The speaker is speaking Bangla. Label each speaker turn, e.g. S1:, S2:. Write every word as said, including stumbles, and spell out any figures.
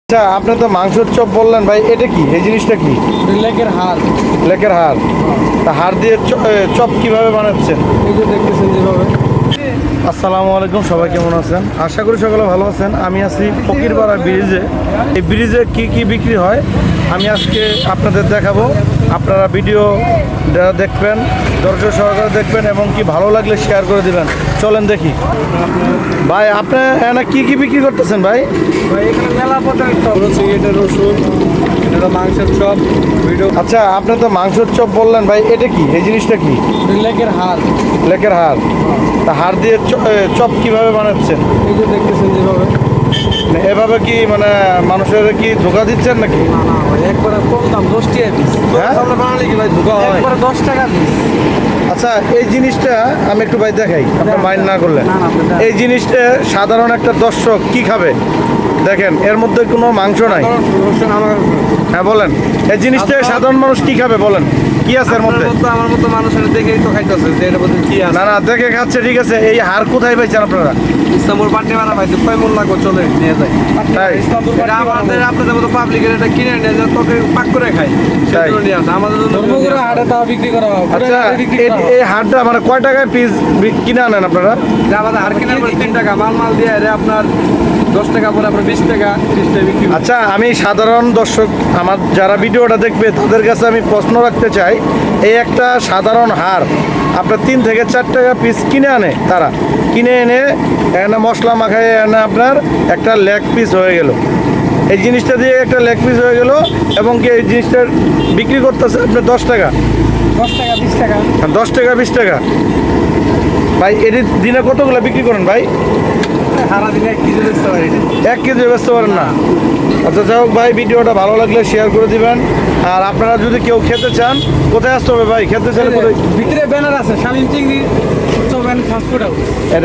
S1: আচ্ছা, আপনি তো মাংসের চপ বললেন ভাই, এটা কি? এই জিনিসটা কি?
S2: লেকের হাড়।
S1: লেকের হাড়। তা হাড় দিয়ে চ- এ, চপ কিভাবে বানাচ্ছেন?
S2: এই যে দেখতেছেন যেভাবে।
S1: আসসালামু আলাইকুম, সবাই কেমন আছেন? আশা করি সকলে ভালো আছেন। আমি আছি ফকিরপাড়া ব্রিজে। এই ব্রিজে কি কি বিক্রি হয় আমি আজকে আপনাদের দেখাবো। আপনারা ভিডিও দেখবেন, ধৈর্য সহকারে দেখবেন এবং কি ভালো লাগলে শেয়ার করে দিবেন। চলেন দেখি। ভাই, আপনি এখানে কি কি বিক্রি করতেছেন ভাই?
S2: ভাই এখানে মেলা পদের চপ রয়েছে, এটা রসুন, এটা মাংসের চপ, ভিডিও।
S1: আচ্ছা, আপনি তো মাংসের চপ বললেন ভাই, এটা কি? এই জিনিসটা কি?
S2: লেকের হাড়।
S1: লেকের হাড়। তা হাড় দিয়ে চ- এ, চপ কিভাবে বানাচ্ছেন?
S2: এই যে দেখতেছেন যেভাবে।
S1: মানে এভাবে কি মানে মানুষের কি ধোকা দিচ্ছেন নাকি?
S2: না না ভাই, একবারে কম দাম, দশ টাকা পিস।
S1: হ্যাঁ?
S2: আমরা বানালে কি ভাই ধোকা হয়? একবারে দশ টাকা পিস।
S1: আচ্ছা, এই জিনিসটা আমি একটু ভাই দেখাই, আপনার মাইন্ড না করলে।
S2: না, না, আপনি দেখান।
S1: এই জিনিসটা সাধারণ একটা দর্শক কি খাবে? দেখেন, এর মধ্যে কোনো মাংস নাই।
S2: রসুন আমার
S1: হ্যাঁ বলেন, এই জিনিসটা সাধারণ মানুষ কি খাবে বলেন? কি আছে এর মধ্যে?
S2: আপনার মতো আমার মতো মানুষের দেখেই তো খাইতেছে যে এর মধ্যে কি আছে।
S1: না না, দেখে খাচ্ছে ঠিক আছে, এই হাড় কোথায় পাইছেন আপনারা?
S2: ইস্তাম্বুল পাটনি মারা ভাই, কয় মন লাগবে চলে নিয়ে যায়।
S1: তাই?
S2: এটা আমাদের আপনাদের মতো পাবলিকের এটা কিনে নিয়ে যায়, তোকে পাক করে খাই,
S1: তাই?
S2: সেজন্য নিয়ে আসে আমাদের জন্য
S3: ধর্মগুলো হাটে তাও বিক্রি করা হয়।
S1: আচ্ছা,
S3: বিক্রি
S1: এই-
S3: করা হয়।
S1: এই হাড়টা মানে কয় টাকায় পিস কিনে আনেন আপনারা?
S2: যে আমাদের হার কিনে আমরা তিন টাকা মাল মাল দিয়ে এরে আপনার দশ টাকা পরে আপনার বিশ টাকা ত্রিশ টাকা বিক্রি করি।
S1: আচ্ছা, আমি সাধারণ দর্শক আমার যারা ভিডিওটা দেখবে তাদের কাছে আমি প্রশ্ন রাখতে চাই, এই একটা সাধারণ হার আপনার তিন থেকে চার টাকা পিস কিনে আনে, তারা কিনে এনে এখানে মশলা মাখায় এনে আপনার একটা লেগ পিস হয়ে গেল। এই জিনিসটা দিয়ে একটা লেগ পিস হয়ে গেল এবং কি এই জিনিসটা বিক্রি করতেছে আপনি দশ টাকা,
S3: দশ টাকা বিশ টাকা।
S1: দশ টাকা বিশ টাকা। ভাই, এর দিনে কতগুলো বিক্রি করেন ভাই?
S2: সারা দিনে এক কেজি বেচতে পারি না।
S1: এক কেজি বেচতে পারেন না? আচ্ছা, যাই হোক ভাই, ভিডিওটা ভালো লাগলে শেয়ার করে দিবেন। আর আপনারা যদি কেউ খেতে চান, কোথায় আসতে হবে ভাই? খেতে চান কোথায়?
S3: ভিতরে ব্যানার আছে, শামীম চিংড়ি চপ অ্যান্ড ফাস্টফুড হাউস।